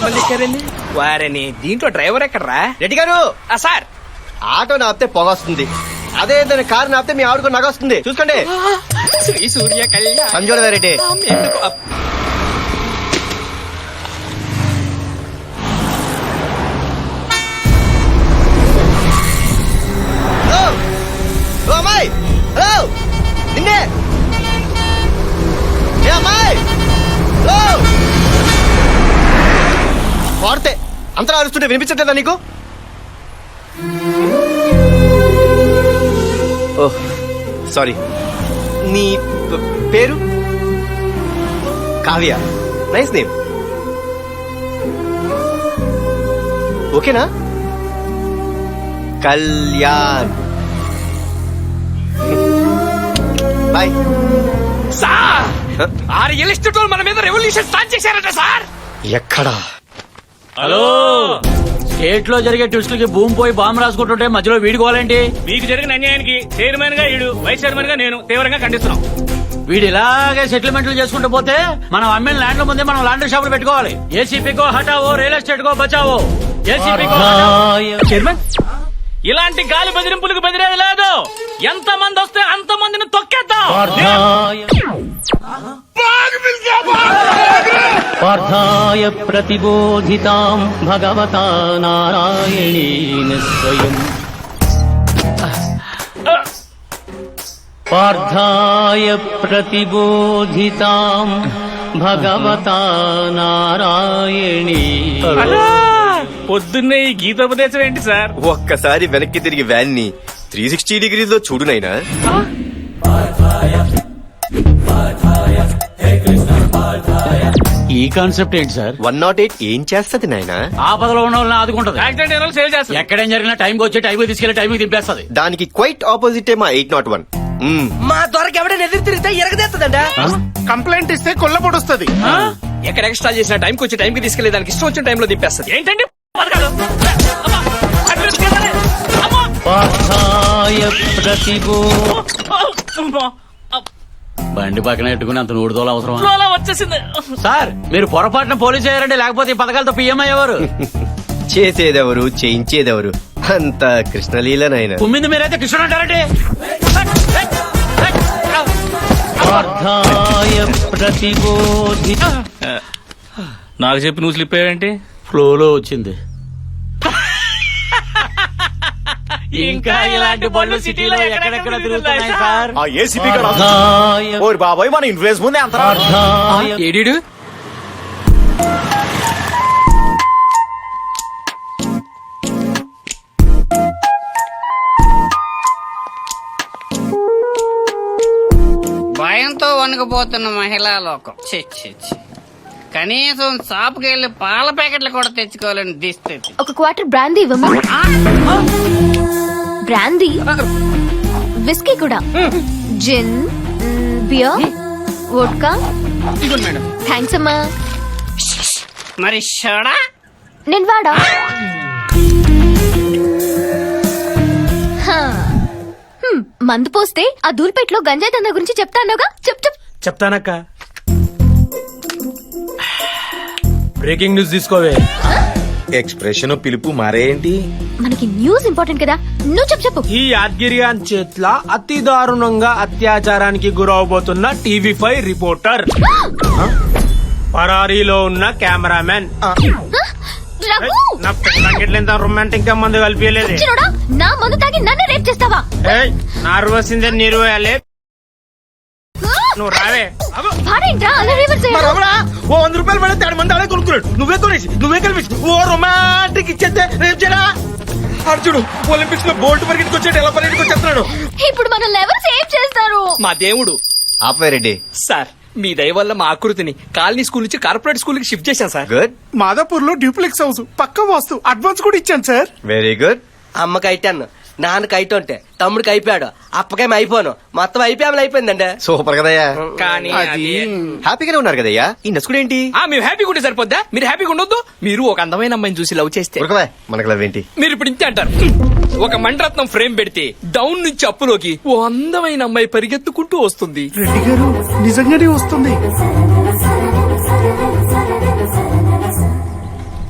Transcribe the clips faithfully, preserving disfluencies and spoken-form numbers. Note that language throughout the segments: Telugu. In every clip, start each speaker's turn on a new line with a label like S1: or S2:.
S1: ఎంతమంది ఎక్కారండి? వారని దీంట్లో డ్రైవర్ ఎక్కడరా?
S2: రెడ్డి గారు
S1: సార్
S2: ఆటో నాపితే పొగ వస్తుంది, అదే ఏదైనా కారు నాపితే మీ ఆవిడకు నగ వస్తుంది. చూసుకోండి.
S1: శ్రీ సూర్య కళ్యాణ్
S2: సంజోడ రెడ్డి. హలో అమ్మాయి, హలో నిన్నే అమ్మాయి, హలో వాడితే అంతలా అరుస్తుంటే వినిపించట్లేదా నీకు? Oh sorry. నీ పేరు? కావ్య. Nice name. ఓకేనా? కళ్యాణ్. బాయ్.
S1: సార్ ఆ రియల్ ఎస్టేట్ వాళ్ళు మన మీద రెవల్యూషన్ స్టార్ట్ చేశారట సార్.
S2: ఎక్కడా?
S3: హలో, స్టేట్ లో జరిగే ట్విస్టులకి భూమి పోయి బాంబు రాసుకుంటుంటే మధ్యలో వీడుకోవాలండి.
S4: మీకు జరిగిన అన్యాయానికి చైర్మన్ గా ఈడు, వైస్ చైర్మన్ గా నేను తీవ్రంగా ఖండిస్తున్నాం.
S3: వీడు ఇలాగే సెటిల్మెంట్లు చేసుకుంటూ పోతే మనం అమ్మిన ల్యాండ్ల ముందే మనం లాండ్రీ షాపులు పెట్టుకోవాలి. ఏసీపీకో హటావో, రియల్ ఎస్టేట్ కో బచావో. ఏసీపీకో
S1: చైర్మన్,
S4: ఇలాంటి గాలి బెదిరింపులకు బెదిరేది లేదు. ఎంత మంది వస్తే అంత మందిని తొక్కేద్దాం.
S5: పార్థాయ ప్రతిబోధితాం భగవతా నారాయణేన స్వయం. పార్థాయ ప్రతిబోధితాం భగవతా నారాయణేన.
S4: పొద్దున్నే ఈ గీతోపదేశం ఏంటి సార్?
S2: ఒక్కసారి వెనక్కి తిరిగి వ్యాన్ ని త్రీ సిక్స్టీ డిగ్రీస్ లో చూడు నైనా.
S3: ఈ కాన్సెప్ట్ ఏంటి సార్?
S2: వన్ నాట్ ఎయిట్ ఏం చేస్తది నాయనా?
S3: ఆపదలో ఉన్న వాళ్ళని ఆదుకుంటది.
S4: యాక్సిడెంట్ అయిన వాళ్ళు సేవ్ చేస్తారు.
S3: ఎక్కడేం జరిగినా టైంకి వచ్చి టైంకి తీసుకెళ్లి టైంకి దింపేస్తుంది.
S2: దానికి క్వైట్ ఆపోజిట్ మా ఎయిట్ నాట్ వన్.
S1: మా దొరకు ఎవడైనా ఎదురు తిరిగితే ఎరగదేస్తుందంట.
S6: కంప్లైంట్ ఇస్తే కొల్ల పొడుస్తుంది.
S1: ఎక్కడ ఎక్స్ట్రా చేసిన టైంకి వచ్చి టైంకి తీసుకెళ్లే దానికి ఇష్టం వచ్చిన టైంలో దింపేస్తుంది.
S4: ఏంటండి పథకాలు?
S5: పార్థాయ ప్రతిబో.
S3: బండి పక్కన పెట్టుకుని అంత నూడుదోలు అవసరం
S4: ఫ్లోలో వచ్చేసింది
S3: సార్. మీరు పొరపాటున పోలీసు అయ్యారండి, లేకపోతే ఈ పథకాలతో పిఎం అయ్యేవారు.
S2: చేసేదెవరు, చేయించేదెవరు? అంత కృష్ణలీలనైనా.
S3: కుమ్మింది మీరైతే కృష్ణుడు అంటారండి.
S5: పార్థాయ ప్రతిబోధి.
S4: నాకు చెప్పి నువ్వు స్లిప్ అయ్యావేంటి?
S3: ఫ్లోలో వచ్చింది. ఇంకా ఇలాంటి బళ్ళు సిటీలో ఎక్కడెక్కడ తిరుగుతున్నాయి సార్.
S7: ఆ ఏసీపీ
S5: పార్థాయ
S7: ఓరి బాబాయ్, మన ఇన్ఫ్లుయెన్స్ ముందే అంత
S5: పార్థాయ
S1: ఏడీడు
S8: భయంతో వణుకుపోతున్న మహిళా లోకం. ఛీ, ఛీ, ఛీ. కనీసం షాపుకి వెళ్లి పాల ప్యాకెట్లు కూడా తెచ్చుకోవాలని దిస్థితి.
S9: ఒక క్వార్టర్ బ్రాందీ ఇవ్వమా? బ్రాందీ, విస్కీ కూడా, జిన్, బియర్, వోడ్కా. థ్యాంక్స్ అమ్మా.
S8: మరి షోడా?
S9: నేను వాడా? హా. హ్మ్, మందు పోస్తే ఆ దూల్పేటలో గంజాయి దందా గురించి చెప్తానుగా. చెప్ చెప్
S6: చెప్తానక్క. బ్రేకింగ్ న్యూస్ తీసుకోవే.
S7: ఎక్స్ప్రెషన్ పిలుపు మారేంటి?
S9: మనకి న్యూస్ ఇంపార్టెంట్ కదా, నువ్వు చెప్పు చెప్పు.
S6: ఈ యాద్గిరియాన్ చేట్ల అతి దారుణంగా అత్యాచారానికి గురవబోతున్న టీవీ ఫైవ్ రిపోర్టర్, పరారీలో ఉన్న కెమెరామెన్.
S9: రఘు!
S6: నా పెళ్ళంగిట్లేంత రొమాంటిక్ గా మందు కలిపియలేదే.
S9: చిన్నోడా, నా మందు తాగి నన్ను రేప్ చేస్తావా?
S6: నార్వసిందే నీరు వేయాలి. నువ్వు రావే.
S9: వాడేంట్రా అలా రివర్స్ అయ్యాడు?
S6: ఓ వంద రూపాయలు పడితే ఆడు మంది ఆడే కొనుక్కున్నాడు. నువ్వే కొనేసి నువ్వే కలిపి ఓ రొమాంటిక్ ఇచ్చేస్తే రేపు చేయరా. అర్జుడు ఒలింపిక్స్ లో బోల్ట్ పరిగెట్టుకు వచ్చాడు, ఎలా పరిగెట్టుకు వచ్చేస్తున్నాడు.
S9: ఇప్పుడు మనల్ని ఎవరు సేవ్ చేస్తారు?
S1: మా దేవుడు.
S2: ఆపే రెడ్డి.
S1: సార్ మీ దయ వల్ల మా ఆకృతిని కాలనీ స్కూల్ నుంచి కార్పొరేట్ స్కూల్ కి షిఫ్ట్ చేశాను సార్.
S2: గుడ్.
S6: మాదాపూర్ లో డ్యూప్లెక్స్ హౌస్ పక్క వాస్తు అడ్వాన్స్ కూడా ఇచ్చాను సార్.
S2: Very good.
S10: అమ్మకి అయిటాను, నాన్నకి అయితుంటే తమ్ముడికి అయిపోయాడు, అప్పకేం అయిపోను, మొత్తం అయిపోయామని అయిపోయిందండి.
S2: సూపర్ కదయ్యా.
S1: కానీ అది
S2: హ్యాపీగానే ఉన్నారు కదయ్యా. ఈ నసుకుడు ఏంటి?
S1: ఆ మేము హ్యాపీగా ఉంటే సరిపోద్దా? మీరు హ్యాపీగా ఉండొద్దు? మీరు ఒక అందమైన అమ్మాయిని చూసి లవ్ చేస్తే
S2: ఉరకవే, మనకు లవ్ ఏంటి?
S1: మీరు ఇప్పుడు ఇంతే అంటారు. ఒక మండరత్నం ఫ్రేమ్ పెడితే డౌన్ నుంచి అప్పులోకి ఓ అందమైన అమ్మాయి పరిగెత్తుకుంటూ వస్తుంది.
S6: రెడ్డి గారు నిజంగానే వస్తుంది.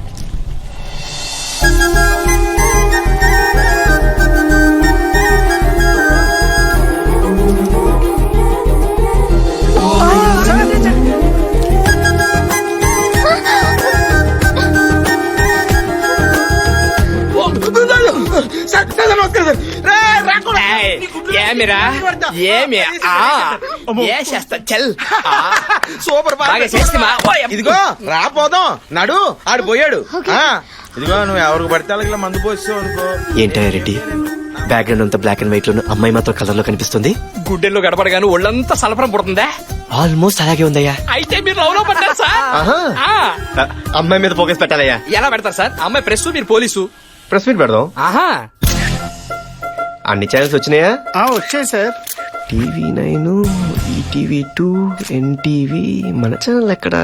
S6: సార్ సార్ నమస్కారం సార్ రే రాకుండా
S1: ఏయ్, ఏమిరా ఏమి ఆ, ఏ చేస్తా చల్ ఆ,
S6: సూపర్
S1: బాగా చేస్తిమా?
S6: ఇదిగో రాపోదాం నడు ఆడు పోయాడు ఆ, ఇదిగో నువ్వు ఎవరికి పడితే వాళ్ళకి ఇలా మందు పోస్తావు అనుకో.
S2: ఏంటయ్య రెడ్డి బ్యాక్గ్రౌండ్ అంతా బ్లాక్ అండ్ వైట్ లో అమ్మాయి మాత్రం కలర్ లో కనిపిస్తుంది.
S1: గుడ్డెల్లో గడపడగాను ఒళ్ళంతా సలపరం పుడుతుందా?
S2: ఆల్మోస్ట్ అలాగే ఉందయ్యా.
S1: అయితే మీరు లవ్ లో పడ్డారు సార్.
S2: ఆహా.
S1: ఆ,
S2: ఆ, అమ్మాయి మీద ఫోకస్ పెట్టాలయ్యా.
S1: ఎలా పెడతారు సార్? అమ్మాయి ప్రెస్, మీరు పోలీసు.
S2: ప్రెస్ మీట్ పెడదాం.
S1: ఆహా,
S2: అన్ని ఛానల్స్ వచ్చినాయా?
S6: వచ్చాయి sir.
S2: TV nine, ETV two, NTV, మన ఛానల్ ఎక్కడా?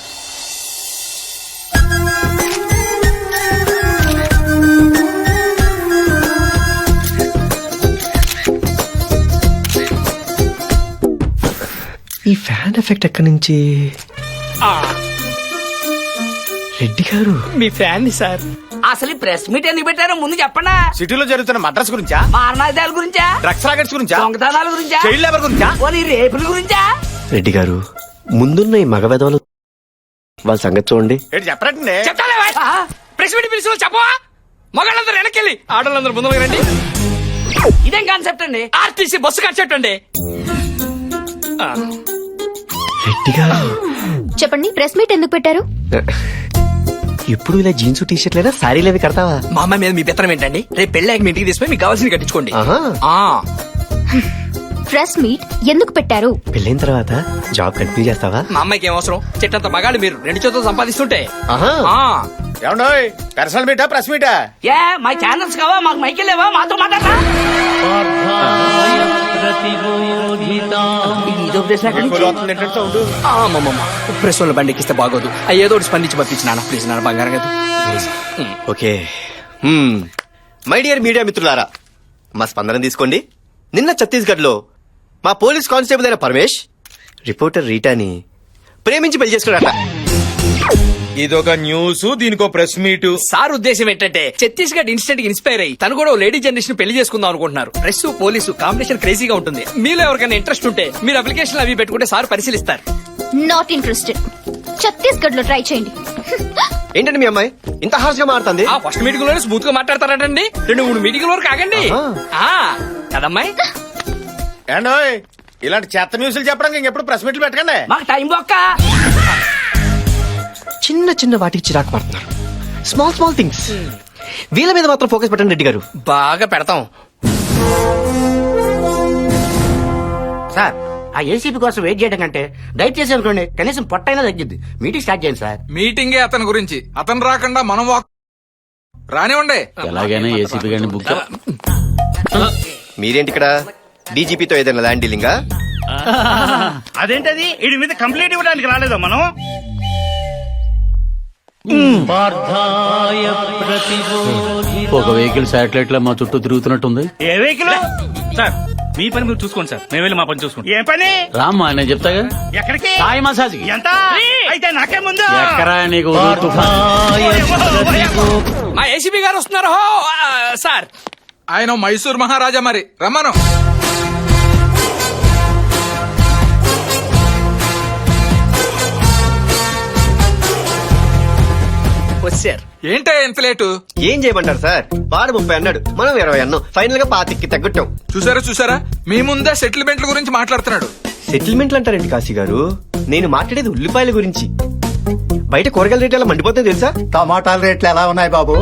S2: ఈ ఫ్యాన్ ఎఫెక్ట్ ఎక్కడి నుంచి?
S1: ఆ,
S2: రెడ్డి గారు
S1: మీ ఫ్యాన్ సార్.
S8: అసలు ఈ ప్రెస్ మీట్ ఎందుకు పెట్టారో ముందు చెప్పండా.
S7: సిటీలో జరుగుతున్న మద్రాస్ గురించా,
S8: మారణాదాల గురించా,
S7: డ్రగ్స్ రాకెట్స్ గురించా,
S8: దొంగతనాల గురించా,
S7: చైల్డ్ లేబర్ గురించా?
S8: పోనీ రేపుల గురించా?
S2: రెడ్డి గారు ముందున్న ఈ మగవెదవలు వాళ్ళ సంగతి చూడండి.
S7: ఏంటి చెప్పరండి?
S1: చెప్తాలే వాయ్. ప్రెస్ మీట్ పిలిచిన చెప్పవా? మగాళ్ళందరూ వెనకెళ్ళి ఆడవాళ్ళందరూ ముందుకు రండి.
S8: ఇదేం కాన్సెప్ట్ అండి?
S1: ఆర్టీసీ బస్సు కట్టండి.
S2: రెడ్డి గారు
S9: చెప్పండి, ప్రెస్ మీట్ ఎందుకు పెట్టారు?
S2: ఎప్పుడు ఇలా జీన్స్ టీ షర్ట్ లేదా శారీలు అవి కడతావా?
S1: మా అమ్మాయి మీద మీ పెత్తనం ఏంటండి? రేపు పెళ్ళాక మీ ఇంటికి తీసుకుని మీకు కావాల్సింది కట్టించుకోండి.
S2: ఆహా.
S1: ఆ,
S9: ప్రెస్ మీట్ ఎందుకు పెట్టారు?
S2: పెళ్ళైన తర్వాత జాబ్ కంటిన్యూ చేస్తావా?
S1: మా అమ్మాయికి ఏం అవసరం? చెట్టంత మగాళ్ళు మీరు రెండు చేతులు సంపాదిస్తుంటే.
S2: ఆహా.
S1: ఆ,
S7: ఏమండోయ్ పర్సనల్ మీటా ప్రెస్ మీటా?
S8: ఏ మా ఛానల్స్ కావా, మాకు మైకిల్ లేవా, మాతో మాట్లాడరా?
S5: పార్థాయ ప్రతిబోధితాం
S8: ఇది ఉపదేశం ఎక్కడి నుంచి?
S1: ఆ, అమ్మమ్మమ్మ. ప్రెస్ వాళ్ళ బండి ఎక్కిస్తే బాగోదు. అయ్యి ఏదో ఒకటి స్పందించి పంపించి నాన్న ప్లీజ్, నాన్న బంగారం కదా.
S2: ఓకే. హ్మ్. మై డియర్ మీడియా మిత్రులారా, మా స్పందన తీసుకోండి. నిన్న ఛత్తీస్గఢ్ లో మా పోలీస్ కానిస్టేబుల్ అయిన పరమేష్ రిపోర్టర్ రీటాని ప్రేమించి పెళ్లి చేసుకున్నాడట.
S6: ఇదొక న్యూస్, దీనికో ప్రెస్ మీట్.
S1: సార్ ఉద్దేశం ఏంటంటే ఛత్తీస్గఢ్ ఇన్స్టెంట్ ఇన్స్పైర్ అయ్యి తను కూడా ఓ లేడీ జనరేషన్ పెళ్లి చేసుకుందాం అనుకుంటున్నారు. ప్రెస్ పోలీసు కాంబినేషన్ క్రేజీగా ఉంటుంది. మీలో ఎవరికైనా ఇంట్రెస్ట్ ఉంటే మీరు అప్లికేషన్ అవి పెట్టుకుంటే సార్ పరిశీలిస్తారు.
S9: Not interested. ఛత్తీస్గఢ్ లో ట్రై చేయండి.
S2: ఏంటండి మీ అమ్మాయి ఇంత హార్ష్ గా మారుతుంది?
S1: ఆ ఫస్ట్ మీటింగ్ లోనే స్మూత్ గా మాట్లాడతారంటండి. రెండు మూడు మీటింగ్ వరకు ఆగండి. ఆ, కదమ్మాయి?
S7: ఏండోయ్ ఇలాంటి చెత్త న్యూస్లు చెప్పడానికి ఇంకెప్పుడు ప్రెస్ మీట్లు పెట్టకండి.
S8: మాకు టైం బొక్క.
S2: చిన్న చిన్న వాటికి చిరాకు పడుతున్నారు. Small small things. వీళ్ళ మీద మాత్రం ఫోకస్ పెట్టండి రెడ్డి గారు.
S1: బాగా పెడతాం.
S10: సార్ ఆ ఏసీపీ కోసం వెయిట్ చేయడం కంటే దయచేసి అనుకోండి కనీసం పొట్టైనా తగ్గిద్ది. మీటింగ్ స్టార్ట్ చేయండి సార్.
S6: మీటింగే అతని గురించి, అతను రాకుండా మనం వాక్ రానివ్వండి.
S3: ఎలాగైనా ఏసీపీ గారిని బుక్
S2: మీరేంటి ఇక్కడ? డీజీపీతో ఏదైనా ల్యాండ్ డీలింగా?
S6: అదేంటది వీడి మీద కంప్లైంట్ ఇవ్వడానికి రాలేదా మనం?
S5: పార్థాయ ప్రతిబోధితాం
S3: ఒక వెహికల్ శాటిలైట్ లో మా చుట్టూ తిరుగుతున్నట్టుంది.
S6: ఏ వెహికల్?
S4: సార్ మీ పని మీరు చూసుకోండి సార్, మేము వెళ్ళి మా పని చూసుకుంటాం.
S6: ఏ పని?
S3: రామ్మా నేను చెప్తాగా.
S6: ఎక్కడికి?
S3: సాయి మసాజ్ కి.
S6: ఎంత? అయితే నాకే ముందు.
S3: ఎక్కరా నీకు ఉరుకు తుఫాన్?
S5: పార్థాయ ప్రతిబోధితాం
S1: మా ఏసీబీ గారు వస్తున్నారు. హో, ఆ, సార్
S6: ఆయన మైసూర్ మహారాజా, మరి రమ్మను.
S1: వచ్చారు.
S6: ఏంటే ఎంత లేటు?
S2: ఏం చేయమంటారు సార్? వాడు ముప్పై అన్నాడు, మనం ఇరవై అన్నాం. ఫైనల్ గా పాతికి తగ్గట్టాం.
S6: చూసారా చూసారా, మీ ముందే సెటిల్మెంట్ల గురించి మాట్లాడుతున్నాడు.
S2: సెటిల్మెంట్లు అంటారండి కాశీ గారు? నేను మాట్లాడేది ఉల్లిపాయల గురించి. బయట కూరగాయల రేట్లు ఎలా మండిపోతాయి తెలుసా?
S11: టమాటాల రేట్లు ఎలా ఉన్నాయి బాబు?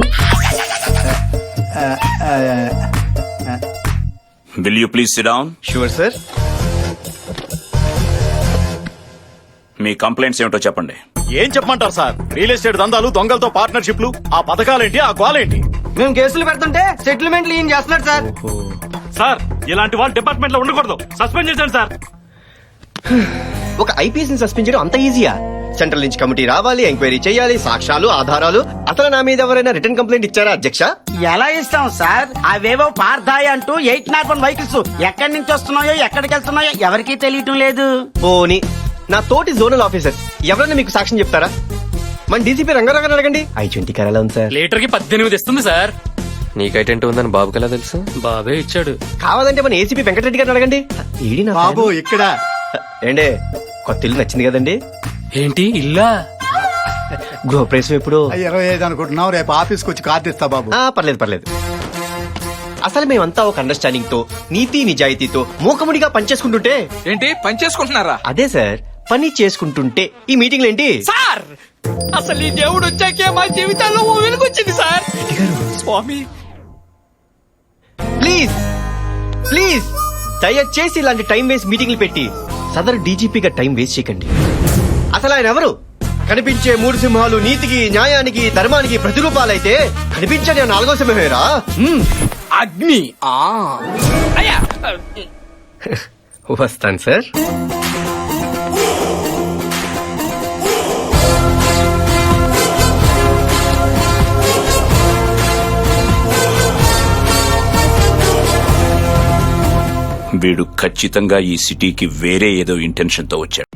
S12: Will you please sit down?
S2: Sure sir.
S12: మీ కంప్లైంట్స్ ఏమిటో చెప్పండి.
S7: ఏం చెప్పమంటారు సార్? రియల్ ఎస్టేట్ దందాలు, దొంగలతో పార్ట్నర్షిప్లు, ఆ పథకాలేంటి, ఆ గోలేంటి?
S10: మేము కేసులు పెడుతుంటే సెటిల్మెంట్లు ఏం చేస్తున్నారు సార్?
S4: సార్ ఇలాంటి వాళ్ళు డిపార్ట్మెంట్ లో ఉండకూడదు, సస్పెండ్ చేశాను సార్.
S2: ఒక ఐపీఎస్ ని సస్పెండ్ చేయడం అంత ఈజీయా? సెంట్రల్ నుంచి కమిటీ రావాలి, ఎంక్వైరీ చేయాలి, సాక్ష్యాలు, ఆధారాలు. అసలు నా మీద ఎవరైనా రిటర్న్ కంప్లైంట్ ఇచ్చారా అధ్యక్ష?
S10: ఎలా ఇస్తాం సార్? అవేవో పార్థాయి అంటూ ఎయిట్ నాట్ వన్ వెహికల్స్ ఎక్కడి నుంచి వస్తున్నాయో ఎక్కడికి వెళ్తున్నాయో ఎవరికీ తెలియటం లేదు.
S2: పోనీ నా తోటి జోనల్ ఆఫీసర్ ఎవరైనా మీకు సాక్ష్యం చెప్తారా? మన డీసీపీ రంగారావు అడగండి. ఐ ట్వంటీ కార్ ఎలా ఉంది సార్?
S1: లీటర్ కి పద్దెనిమిది ఇస్తుంది సార్.
S2: నీకైటెంట్ ఉందని బాబుకి ఎలా తెలుసు?
S1: బాబే ఇచ్చాడు.
S2: కావాలంటే మన ఏసీపీ వెంకటరెడ్డి గారిని అడగండి. ఈడి నా
S11: బాబు
S2: ఫ్యాన్.
S11: ఇక్కడ
S2: ఏండే కొత్త ఇల్లు నచ్చింది కదండి?
S1: ఏంటి ఇల్లా?
S2: గృహప్రవేశం ఎప్పుడు?
S11: ఇరవై ఐదు అనుకుంటున్నావు, రేపు ఆఫీస్కి వచ్చి కార్డు ఇస్తా బాబు.
S2: ఆ, పర్లేదు పర్లేదు. అసలు మేమంతా ఒక అండర్స్టాండింగ్ తో నీతి నిజాయితీతో మూకముడిగా పనిచేసుకుంటుంటే
S6: ఏంటి పని చేసుకుంటున్నారా?
S2: అదే సార్ పని చేసుకుంటుంటే ఈ మీటింగ్లు ఏంటి
S1: సార్ అసలు ఈ దేవుడు వచ్చాకే మా జీవితాల్లో ఓ వెలుగొచ్చింది సార్. స్వామి
S2: ప్లీజ్ ప్లీజ్ దయచేసి ఇలాంటి టైం వేస్ట్ మీటింగ్లు పెట్టి సదరు డీజీపీగా టైం వేస్ట్ చేయకండి. అసలు ఆయన ఎవరు? కనిపించే మూడు సింహాలు నీతికి న్యాయానికి ధర్మానికి ప్రతిరూపాలైతే కనిపించని ఆ నాలుగో సింహమేరా. మ్మ్.
S1: అగ్ని ఆ అయ్యా
S2: వస్తాను సార్.
S12: వీడు ఖచ్చితంగా ఈ సిటీకి వేరే ఏదో ఇంటెన్షన్ తో వచ్చాడు.